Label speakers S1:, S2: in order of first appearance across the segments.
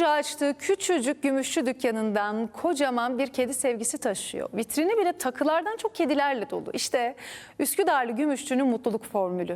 S1: önce açtığı küçücük gümüşçü dükkanından kocaman bir kedi sevgisi taşıyor. Vitrini bile takılardan çok kedilerle dolu. İşte Üsküdarlı gümüşçünün mutluluk formülü.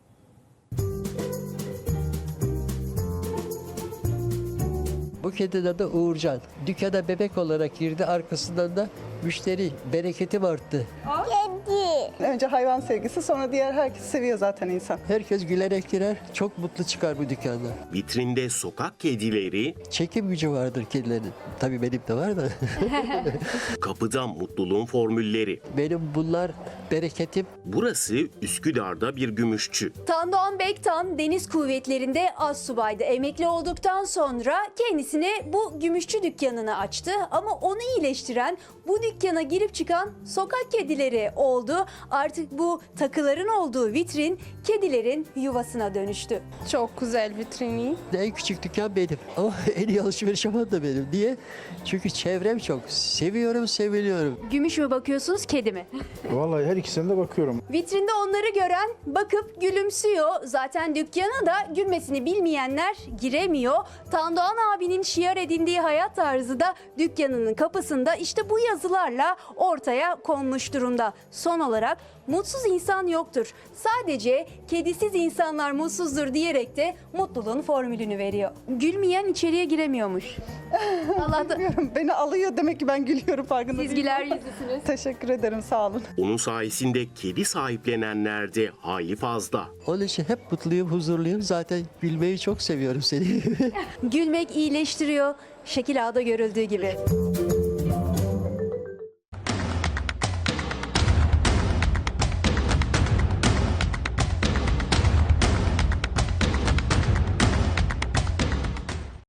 S2: Bu kedinin adı Uğurcan. Dükkana bebek olarak girdi. Arkasından da müşteri bereketim arttı.
S3: Önce hayvan sevgisi, sonra diğer herkesi seviyor zaten insan.
S2: Herkes gülerek girer. Çok mutlu çıkar bu dükkandan.
S4: Vitrinde sokak kedileri,
S2: Çekim gücü vardır kedilerin. Tabii benim de var da.
S4: kapıda mutluluğun formülleri.
S2: Benim bunlar bereketim.
S4: Burası Üsküdar'da bir gümüşçü.
S5: Tandoğan Bektan deniz kuvvetlerinde astsubaydı. Emekli olduktan sonra kendisine bu gümüşçü dükkanını açtı. Ama onu iyileştiren, bu dükkana girip çıkan sokak kedileri oldu. Artık bu takıların olduğu vitrin kedilerin yuvasına dönüştü.
S6: Çok güzel vitrini.
S2: En küçük dükkan benim. Ama en iyi alışveriş yapan da benim. Niye? Çünkü çevrem çok. Seviyorum, seviliyorum.
S5: Gümüş mü bakıyorsunuz, kedi mi?
S7: Vallahi her ikisine de bakıyorum.
S5: Vitrinde onları gören bakıp gülümsüyor. Zaten dükkana da gülmesini bilmeyenler giremiyor. Tandoğan abinin şiar edindiği hayat tarzı da dükkanının kapısında işte bu yazılarla ortaya konmuş durumda. Son olarak mutsuz insan yoktur. Sadece kedisiz insanlar mutsuzdur diyerek de mutluluğun formülünü veriyor. Gülmeyen içeriye giremiyormuş. Allah da
S3: Beni alıyor, demek ki ben gülüyorum, farkında
S5: siz
S3: değilim.
S5: güler yüzlüsünüz.
S3: Teşekkür ederim, sağ olun.
S4: Onun sayesinde kedi sahiplenenler de hayli fazla.
S2: Onun için hep mutluyum, huzurluyum. Zaten gülmeyi çok seviyorum seni.
S5: Gülmek iyileştiriyor. Şekil A'da görüldüğü gibi.